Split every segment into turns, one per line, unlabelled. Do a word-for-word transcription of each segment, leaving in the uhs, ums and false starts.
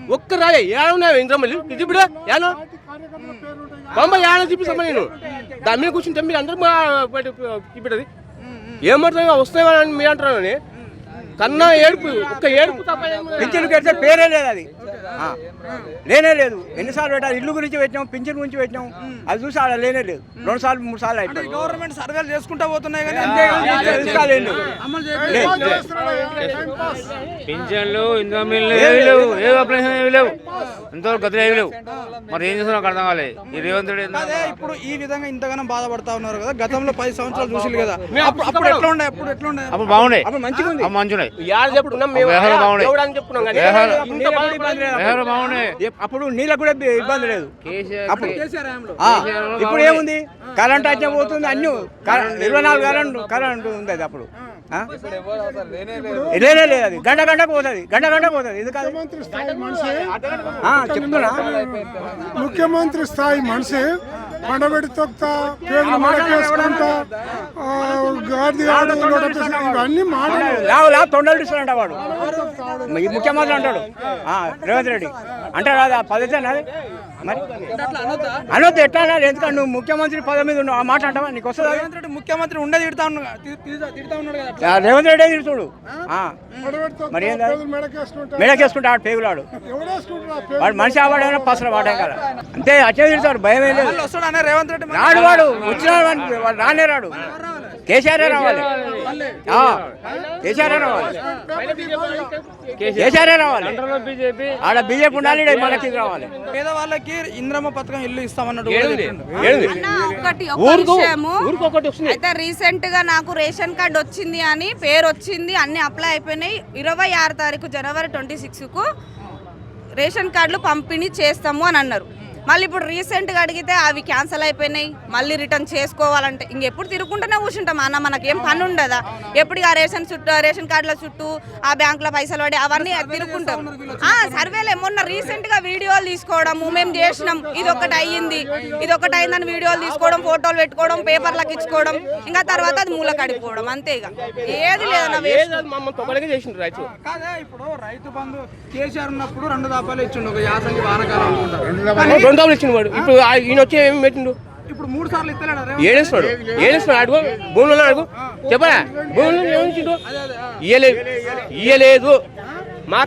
ఒక్క రాలే ఏడున్నాయి ఇంద్రమల్లి ఇది ఇప్పుడు ఏనో బొమ్మ ఏడో చూపిస్తామా నేను దాని మీద కూర్చుంటే మీరు అందరూ చూపెట్టది ఏమంటారు వస్తాయని మీరు అంటున్నాను కన్నా ఏడుపు ఒక్క ఏడుపు తప్ప
పింఛన్ కడితే పేరే లేదు అది లేనే లేదు ఎన్నిసార్లు పెట్టారు ఇల్లు గురించి పెట్టినాం పింఛన్ గురించి పెట్టినాం అది చూసి ఆడ లేనే లేదు రెండు సార్లు మూడు సార్లు అయిపోయింది
గవర్నమెంట్ సర్వేలు చేసుకుంటా పోతున్నాయి కానీ
పింఛన్లు ఇంద్రమిల్లు ఏవి లేవు ఏ అప్లికేషన్ ఏవి లేవు ఇంతవరకు గతులు ఏవి లేవు మరి ఏం చేస్తున్నా అర్థం కాలేదు ఈ రేవంత్ రెడ్డి
అదే ఇప్పుడు ఈ విధంగా ఇంతగానో బాధపడతా ఉన్నారు కదా గతంలో పది సంవత్సరాలు చూసి కదా అప్పుడు ఎట్లా ఉండే అప్పుడు ఎట్లా ఉండే
అప్పుడు బాగుండే
అప్పుడు మంచిగా ఉంది
మంచున్నాయి
అప్పుడు నీళ్ళకు కూడా ఇబ్బంది లేదు అప్పుడు ఇప్పుడు ఏముంది కరెంట్ వచ్చే పోతుంది అన్ని ఇరవై నాలుగు కరెంట్ కరెంట్ ఉంది అది అప్పుడు లేనే లేదు అది గంట గంటకు పోతుంది గంట గంటకు పోతుంది ఎందుకంటే చెప్తున్నా
ముఖ్యమంత్రి స్థాయి మనిషి పండబెట్టి తొక్తా పేర్లు మడకేసుకుంటా ఇవన్నీ మాట్లాడు
లావు లావు తొండలు ఇస్తాడంట వాడు ముఖ్యమంత్రి అంటాడు రేవంత్ రెడ్డి అంటే రాదు పద్ధతి అది మరి అనొద్దు ఎట్లా అన్నారు ఎందుకంటే నువ్వు ముఖ్యమంత్రి పదవి మీద ఉన్నావు ఆ మాట అంటావా నీకు వస్తుంది
రేవంత్ రెడ్డి ముఖ్యమంత్రి ఉండే తిడతా ఉన్నాడు కదా
రేవంత్ రెడ్డి తిడుతుడు మరి మెడకేసుకుంటా ఆడు పేగులాడు వాడు మనిషి ఆవాడైనా పసలు వాడే కదా అంతే అచ్చే తిడతాడు భయం ఏం లేదు
వస్తాడు రేవంత్ రెడ్డి
రాడు వాడు వచ్చిన వాడు రానే రాడు కేసీఆర్ రావాలి కేసీఆర్ రావాలి కేసీఆర్ రావాలి ఆడ బీజేపీ ఉండాలి మనకి రావాలి
పేదవాళ్ళకి ఇంద్రమ్మ పథకం ఇల్లు ఇస్తామన్నట్టు
అయితే రీసెంట్ గా నాకు రేషన్ కార్డు వచ్చింది అని పేరు వచ్చింది అన్ని అప్లై అయిపోయినాయి ఇరవై ఆరు తారీఖు జనవరి ట్వంటీ సిక్స్ కు రేషన్ కార్డులు పంపిణీ చేస్తాము అని అన్నారు మళ్ళీ ఇప్పుడు రీసెంట్గా అడిగితే అవి క్యాన్సిల్ అయిపోయినాయి మళ్ళీ రిటర్న్ చేసుకోవాలంటే ఇంకెప్పుడు తిరుగుకుంటూనే కూర్చుంటాం అన్న మనకేం పని ఉండదా ఎప్పుడు ఆ రేషన్ చుట్టూ రేషన్ కార్డుల చుట్టూ ఆ బ్యాంకులో పైసలు పడి అవన్నీ తిరుగుకుంటాం సర్వేలే మొన్న రీసెంట్గా వీడియోలు తీసుకోవడము మేము చేసినాం ఇది ఒకటి అయ్యింది ఇది ఒకటి అయిందని వీడియోలు తీసుకోవడం ఫోటోలు పెట్టుకోవడం పేపర్లకు ఇచ్చుకోవడం ఇంకా తర్వాత అది మూల కడిపోవడం అంతే ఇక ఏది లేదన్న
ఇప్పుడు రైతు బంధు కేసీఆర్ ఉన్నప్పుడు రెండు దాపాలు ఇచ్చిండు ఒక యాసంగి వానకాలం
ఇచ్చినవాడు ఇప్పుడు ఈయన వచ్చి ఏమి పెట్టిండు
ఇప్పుడు మూడు సార్లు ఇస్తలేడు
ఏడేస్తున్నాడు ఏడేస్తున్నాడు అడుగు భూములు అడుగు చెప్పరా భూములు ఏమిచ్చిండు ఇయ్యలేదు ఇయ్యలేదు మా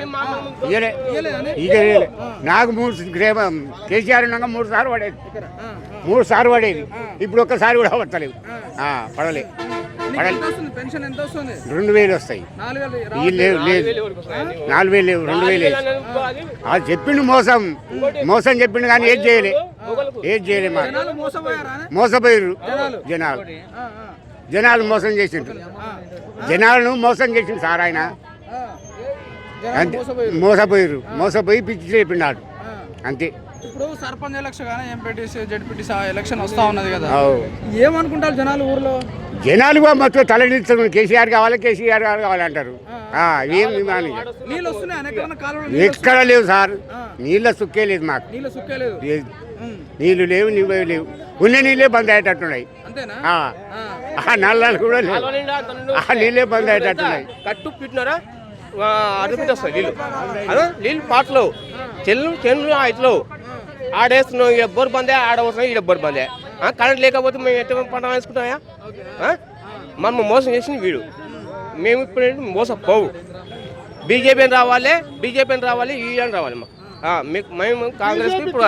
నాకు మూడు కేసీఆర్ ఉన్నాక మూడు సార్లు పడేది మూడు సార్లు పడేది ఇప్పుడు ఒక్కసారి కూడా పడతలేవు పడలే
పెన్షన్ ఎంత వస్తుంది
రెండు వేలు వస్తాయి లేవు లేదు నాలుగు వేలు లేవు రెండు వేలు అది చెప్పిండు మోసం మోసం చెప్పిండు కానీ ఏది చేయలే ఏది చేయలే మా మోసపోయారు జనాలు జనాలు మోసం చేసిండ్రు జనాలను మోసం చేసిండు సార్ ఆయన అంతే మోసపోయారు మోసపోయి పిచ్చి చెప్పిండాడు అంతే
ఇప్పుడు సర్పంచ్ ఎలక్షన్ కానీ ఎంపీటీసీ జెడ్పీటీసీ ఎలక్షన్ వస్తా ఉన్నది కదా ఏమనుకుంటారు జనాలు ఊర్లో
జనాలు మొత్తం తలనిస్తారు కేసీఆర్ కావాలి కేసీఆర్ గారు కావాలంటారు ఏం
నీళ్ళు వస్తున్నాయి
ఎక్కడ లేవు సార్ నీళ్ళ సుక్కే లేదు మాకు నీళ్లు లేవు నీళ్ళు లేవు ఉన్న నీళ్ళే బంద్ అయ్యేటట్టున్నాయి ఆ నల్లాలు కూడా లేవు ఆ నీళ్ళే బంద్ అయ్యేటట్టున్నాయి
కట్టు పెట్టినారా అడుగుతుంది వస్తాయి నీళ్ళు అదే నీళ్ళు పాటలు చెల్లు చెల్లు ఇట్లు ఆడేస్తున్నాం ఇక బొర్ బందే ఆడవస్తున్నాం ఈడ బొర్ బందే కరెంట్ లేకపోతే మేము ఎట్లా పంట వేసుకుంటామా మనం మోసం చేసింది వీడు మేము ఇప్పుడు మోసపోవు బీజేపీని రావాలి బీజేపీని రావాలి ఈడని రావాలి మీకు మేము కాంగ్రెస్ ఇప్పుడు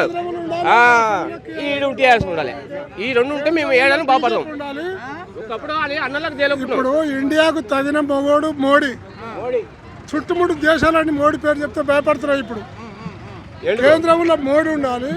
ఈ టీఆర్ఎస్ ఉండాలి ఈ రెండు ఉంటే మేము ఏడాది బాగుపడతాం ఒకప్పుడు అన్నలకు
ఇప్పుడు ఇండియాకు తగిన మొగోడు మోడీ చుట్టుముట్టు దేశాలన్నీ మోడీ పేరు చెప్తే భయపడుతున్నాయి ఇప్పుడు కేంద్రంలో మోడీ ఉండాలి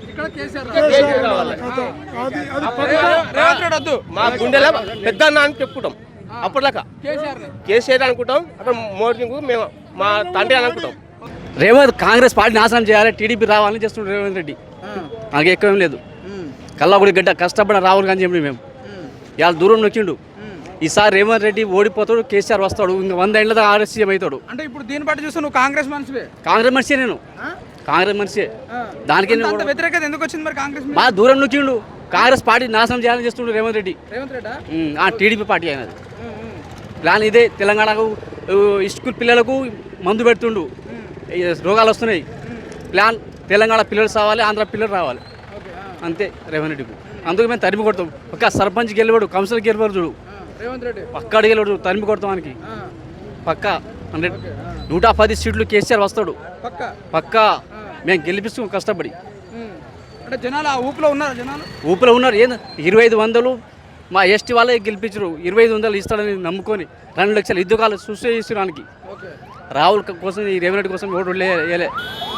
మా గుండెలో పెద్ద అన్న అని చెప్పుకుంటాం అప్పటిలాగా కేసీఆర్ అనుకుంటాం అక్కడ మోడీ మేము మా తండ్రి అని అనుకుంటాం
రేవంత్ కాంగ్రెస్ పార్టీ నాశనం చేయాలి టీడీపీ రావాలని చేస్తున్నాడు రేవంత్ రెడ్డి నాకు ఎక్కువ లేదు కల్లాగుడి గడ్డ కష్టపడిన రాహుల్ గాంధీ చెప్పి మేము ఇవాళ దూరం నొక్కిండు ఈసారి రేవంత్ రెడ్డి ఓడిపోతాడు కేసీఆర్ వస్తాడు ఇంకా వంద ఏళ్ళ ఆర్ఎస్ సీఎం అవుతాడు
అంటే ఇప్పుడు దీన్ని బట్టి చూస్తే నువ్వు కాంగ్రెస్ మనిషివే
కాంగ్రెస్ మనిషి నేను కాంగ్రెస్ మనిషి దానికి
వ్యతిరేకత ఎందుకు వచ్చింది మరి కాంగ్రెస్
బాగా దూరం నొక్కిండు కాంగ్రెస్ పార్టీ నాశనం చేయాలని చేస్తుండు రేవంత్ రెడ్డి
రేవంత్ రెడ్డి
టీడీపీ పార్టీ అయినది ప్లాన్ ఇదే తెలంగాణకు స్కూల్ పిల్లలకు మందు పెడుతుండు ఈ రోగాలు వస్తున్నాయి. ప్లాన్ తెలంగాణ పిల్లలు రావాలి, ఆంధ్ర పిల్లలు రావాలి, అంతే రేవంత్ రెడ్డికి. అందుకు మేము తరిమి కొడతాం. ఒక సర్పంచ్ గెలివాడు, కౌన్సిలర్ గెలివాడు చూడు,
రేవంత్ రెడ్డి
పక్క గెలివాడు, తరిమి కొడతాం వానికి పక్క హండ్రెడ్. నూట పది సీట్లు కేసీఆర్ వస్తాడు
పక్క
పక్క. మేము గెలిపిస్తాం కష్టపడి.
అంటే జనాలు ఆ ఊపులో ఉన్నారు, జనాలు
ఊపిలో ఉన్నారు. ఏంది ఇరవై ఐదు వందలు మా ఎస్టీ వాళ్ళే గెలిపించరు. ఇరవై ఐదు వందలు ఇస్తాడని నమ్ముకొని రెండు లక్షలు ఇద్దరు కాలు చూసే ఇస్తున్నానికి. రాహుల్ కోసం, ఈ రేవంత్ రెడ్డి కోసం ఓటు వేయలే.